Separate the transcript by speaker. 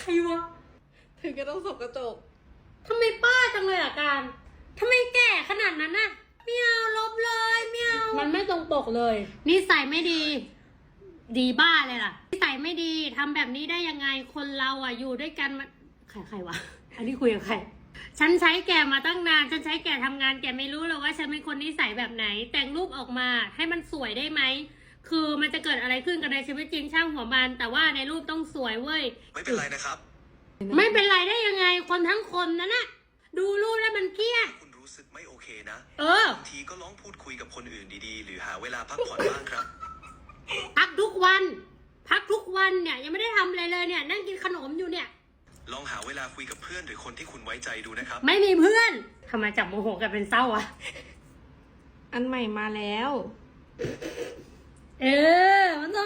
Speaker 1: ใครวะ
Speaker 2: ถึงก็ต้องส่องกระจก
Speaker 1: ทำไมป้าจังเลยอ่ะการทำไมแก่ขนาดนั้นน่ะไม่เอาลบเลยไม่เอามันไม่ตรงปกเลยนิสัยไม่ดี ดีบ้าเลยล่ะนิสัยไม่ดีทำแบบนี้ได้ยังไงคนเราอ่ะอยู่ด้วยกันมาใครวะอันนี้คุยกับใครฉันใช้แกมาตั้งนานฉันใช้แกทำงานแกไม่รู้หรอกว่าฉันเป็นคนนิสัยแบบไหนแต่งรูปออกมาให้มันสวยได้ไหมคือมันจะเกิดอะไรขึ้นกับในชีวิตจริงช่างหัวมันแต่ว่าในรูปต้องสวยเว้ย
Speaker 3: ไม่เป็นไรนะครับ
Speaker 1: ไม่เป็นไรได้ยังไงคนทั้งคนนั่นน่ะดูรูปแล้วมันเครียด
Speaker 3: คุณรู้สึกไม่โอเคนะบางทีก็ลองพูดคุยกับคนอื่นดีๆหรือหาเวลาพักผ่อนบ้างครับ
Speaker 1: พักทุกวันเนี่ยยังไม่ได้ทำอะไรเลยเนี่ยนั่งกินขนมอยู่เนี่ย
Speaker 3: ลองหาเวลาคุยกับเพื่อนหรือคนที่คุณไว้ใจดูนะครับ
Speaker 1: ไม่มีเพื่อนทำไมจับโมโหกันเป็นเศร้าอะ
Speaker 2: อันใหม่มาแล้ว
Speaker 1: มันโต